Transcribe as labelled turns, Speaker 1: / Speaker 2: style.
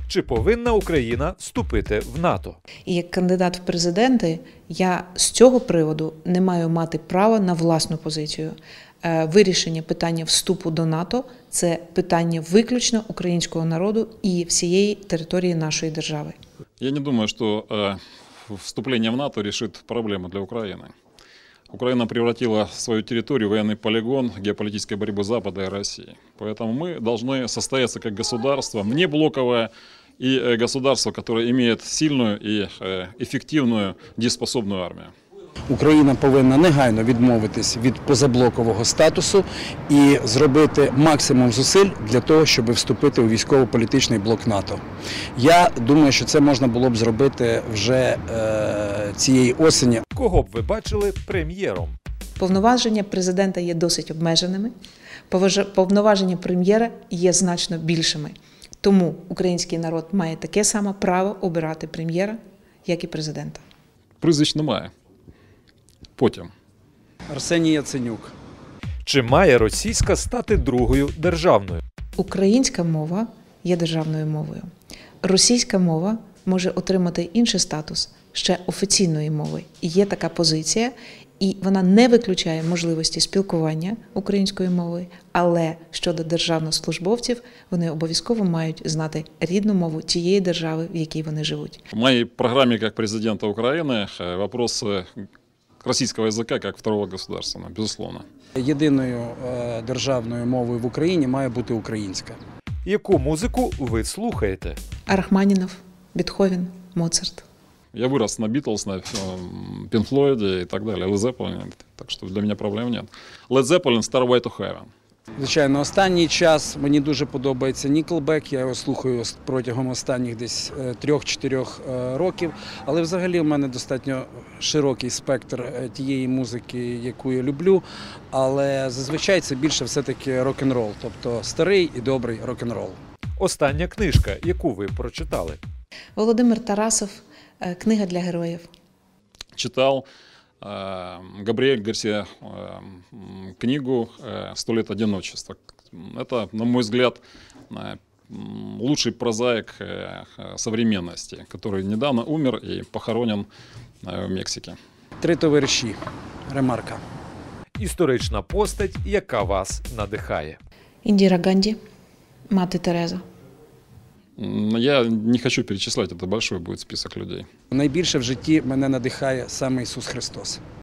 Speaker 1: Чи повинна Україна вступити в НАТО?
Speaker 2: І як кандидат в президенти я з цього приводу не маю мати права на власну позицію. Вирішення питання вступу до НАТО – це питання виключно українського народу і всієї території нашої держави.
Speaker 3: Я не думаю, что вступление в НАТО решит проблему для Украины. Украина превратила свою территорию в военный полигон геополитической борьбы Запада и России. Поэтому мы должны состояться как государство внеблоковое и государство, которое имеет сильную и эффективную дееспособную армию.
Speaker 4: Україна повинна негайно відмовитись від позаблокового статусу і зробити максимум зусиль для того, щоб вступити у військово-політичний блок НАТО. Я думаю, що це можна було б зробити вже цієї осені.
Speaker 1: Кого б ви бачили прем'єром?
Speaker 2: Повноваження президента є досить обмеженими, повноваження прем'єра є значно більшими. Тому український народ має таке саме право обирати прем'єра, як і президента.
Speaker 3: Прізвищ немає. Потім.
Speaker 4: Арсеній Яценюк.
Speaker 1: Чи має російська стати другою державною?
Speaker 2: Українська мова є державною мовою. Російська мова може отримати інший статус ще офіційної мови. І є така позиція, і вона не виключає можливості спілкування українською мовою, але щодо державних службовців, вони обов'язково мають знати рідну мову тієї держави, в якій вони живуть.
Speaker 3: В моей программе как президента Украины вопрос российского языка как второго государства, безусловно.
Speaker 4: Єдиною державною мовою в Україні має бути українська.
Speaker 1: Яку музику ви слухаєте?
Speaker 2: Рахманінов, Бетховен, Моцарт.
Speaker 3: Я вырос на Beatles, на Pink Floyd и так далее, Led Zeppelin, так что для меня проблем нет. Led Zeppelin, Starway to Heaven.
Speaker 4: Звичайно, останній час мені дуже подобається Nickelback, я його слухаю протягом останніх десь 3-4 років, але взагалі в мене достатньо широкий спектр тієї музики, яку я люблю, але зазвичай це більше все-таки рок-н-рол, тобто старий і добрий рок-н-рол.
Speaker 1: Остання книжка, яку ви прочитали?
Speaker 2: Володимир Тарасов, «Книга для героїв».
Speaker 3: Читал Габриэль Гарсия книгу «100 лет одиночества». Это, на мой взгляд, лучший прозаик современности, который недавно умер и похоронен в Мексике.
Speaker 4: Три товариші. Ремарка.
Speaker 1: Історична постать, яка вас надихає?
Speaker 2: Індіра Ганді, мати Тереза.
Speaker 3: Я не хочу перечислять, это большой будет список людей.
Speaker 4: Найбільше в житті мене надихає саме Ісус Христос.